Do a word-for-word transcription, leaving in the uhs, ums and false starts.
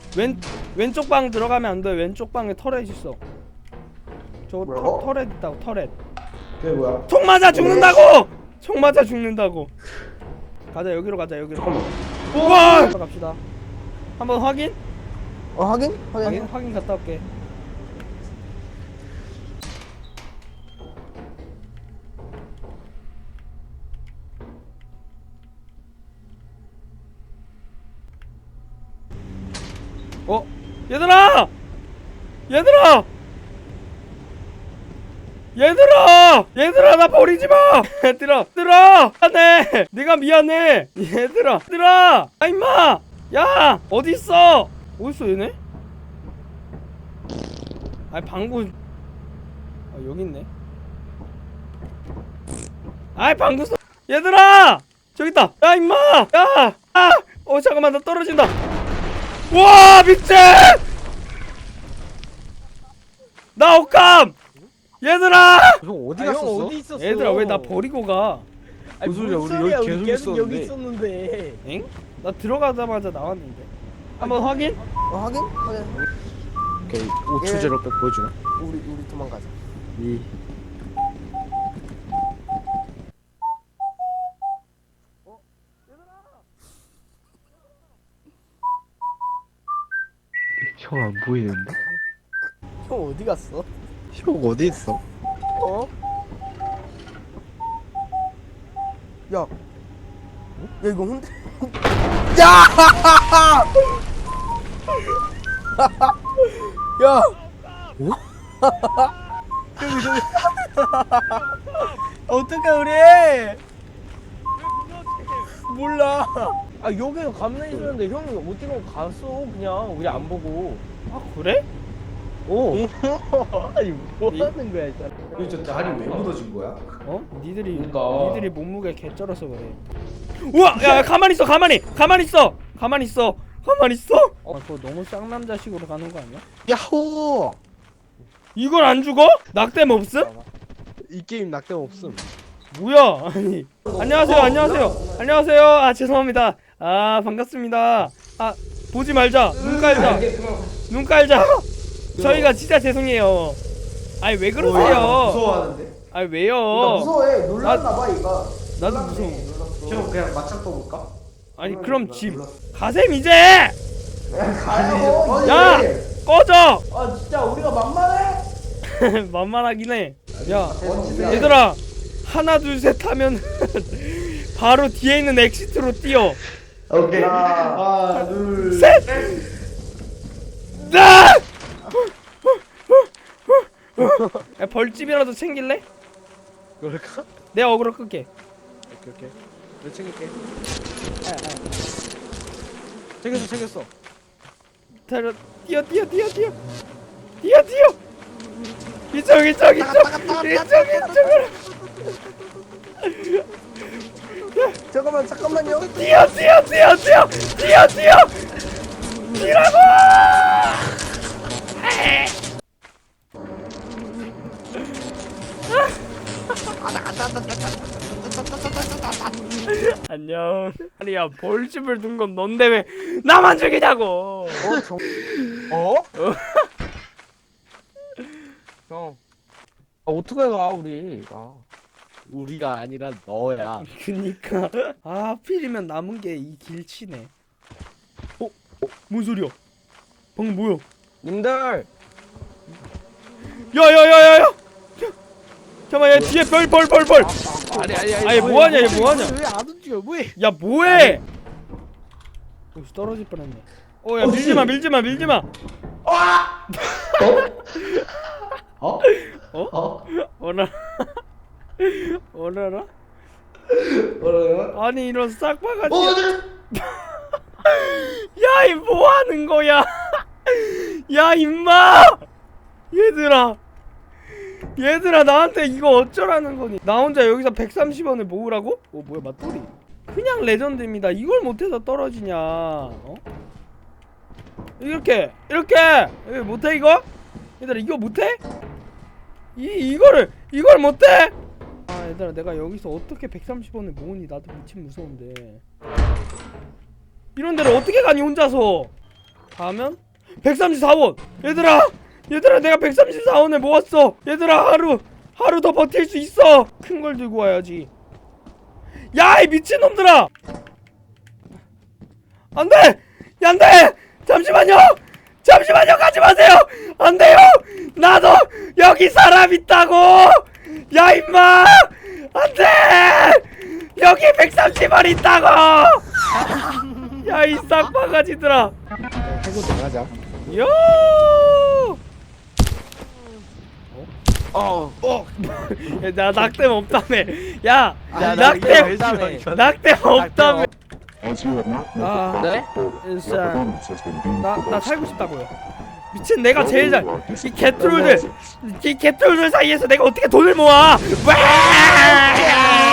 왼 왼쪽 방 들어가면 안 돼. 왼쪽 방에 터렛 있어. 저 터, 터렛 있다고 터렛. 그게 뭐야? 총 맞아 죽는다고. 총 맞아 죽는다고. 가자 여기로 가자 여기로. 잠깐만. 우와. 갑시다. 한번 확인. 어 확인? 확인 확인. 확인 갔다 올게. 어? 얘들아! 얘들아! 얘들아! 얘들아 나 버리지마! 얘들아! 얘들아! 미안해! 네가 미안해! 얘들아! 얘들아! 아 임마! 야! 어딨어? 어딨어 얘네? 아니 방구 아 여기 있네. 아이 방구 써. 얘들아! 저기 있다! 야 임마! 야! 아! 어 잠깐만 나 떨어진다! 와 미친! 나 억감! 얘들아! 형 어디 아, 갔었어? 형 어디 있었어? 얘들아 왜 나 버리고 가? 아니, 무슨 소리야, 무슨 우리 여기 우리 계속 계속 여기 있었는데. 있었는데. 엥? 나 들어가자마자 나왔는데. 한번 확인? 어 확인? 확인. 오케이. 오 초 예. 제로 백 보여주나? 우리 우리 도망가자. 이. 형 안 보이는데? 형 어디 갔어? 형 어디 있어? 어? 야. 야 이거 혼자. 야! 야! 저기 저기. 어떡해 우리? 몰라. 아 여기 가만히 있었는데 형이 어디로 갔어? 그냥 우리 안 보고. 아 그래? 오. 아니 뭐 하는 거야 진짜. 여기 저 다리 왜 묻어진 거야? 어? 니들이 그러니까. 니들이 몸무게 개쩔어서 그래. 우와! 야, 야 가만히 있어 가만히! 가만히 있어! 가만히 있어! 가만히 있어! 아 그거 너무 쌍남자식으로 가는 거 아니야? 야호! 이걸 안 죽어? 낙뎀 없음? 이 게임 낙뎀 없음. 뭐야? 아니 안녕하세요 안녕하세요 안녕하세요 아 죄송합니다 아 반갑습니다 아 보지 말자 눈 깔자 눈 깔자 저희가 진짜 죄송해요 아니 왜 그러세요 무서워하는데? 아니 왜요 무서워해. 놀랐나봐 얘가. 나도 무서워 형 그냥 맞짱 떠볼까? 아니 그럼 집 가셈 이제 가요. 야 꺼져 아 진짜 우리가 만만해? 만만하긴 해야 얘들아 하나 둘 셋 하면 바로 뒤에 있는 엑시트로 뛰어 오케이. 하나, 둘, 셋! 나! 야, 벌집이라도 챙길래? 그럴까? 내가 어그로 끌게. 오케이 오케이. 내가 챙길게. 챙겼어 챙겼어. 달려, 뛰어, 뛰어, 뛰어, 뛰어, 뛰어, 뛰어. 이쪽, 이쪽, 이쪽, 이쪽, 이쪽으로. 잠깐만 잠깐만요. 뛰어, 뛰어, 뛰어, 뛰어, 뛰어, 뛰어. 뛰라고! 안녕. 아니야 벌집을 둔 건 넌데 왜 나만 죽이냐고. 어? 정... 어? 형. 아 어떻게 가 우리? 아. 우리가 아니라 너야. 그니까 아 하필이면 남은 게 이 길치네. 어? 어? 뭔 소리야? 방금 뭐야? 님들. 야야야야야! 잠깐만 얘 뒤에 벌 벌 벌 벌! 아니 아니 아니. 아니 뭐하냐 얘 뭐하냐? 왜안 움직여? 뭐해? 야 뭐해? 여기서 떨어질 뻔했네. 어야 밀지마 밀지마 밀지마. 어? 어? 어? 어라? 어라라? 뭐라고요? 아니 이런 싹바가지. 어, 야 이 뭐하는 거야? 야 임마! 얘들아 얘들아 나한테 이거 어쩌라는 거니? 나 혼자 여기서 백삼십 원을 모으라고? 어 뭐야 맞돌이 그냥 레전드입니다. 이걸 못해서 떨어지냐 어? 이렇게 이렇게 왜 못해 이거? 얘들아 이거 못해? 이, 이거를 이걸 못해? 아 얘들아 내가 여기서 어떻게 백삼십 원을 모으니 나도 미친 무서운데 이런 데를 어떻게 가니 혼자서 하면 백삼십사 원. 얘들아 얘들아 내가 백삼십사 원을 모았어. 얘들아 하루 하루 더 버틸 수 있어. 큰 걸 들고 와야지. 야 이 미친놈들아. 안돼 안돼 잠시만요 잠시만요 가지 마세요. 안돼요. 나도 여기 사람 있다고. 야 임마 안돼. 여기 백삼십 원 있다고. 야 이 싹바가지들아. 해고 나가자. 야. 어. 어. 야, 나 낙뎀 없다며. 야, 야, 낙뎀 낙뎀 낙뎀 없다며. As you have not met 아, the 네? protocol, 진짜. your performance has been deemed 나, 나 progressive. 살고 싶다고요. 미친 내가 제일 잘. You are 이 disciplined 개트롤들, 이 개트롤들 사이에서 내가 어떻게 돈을 모아? 와!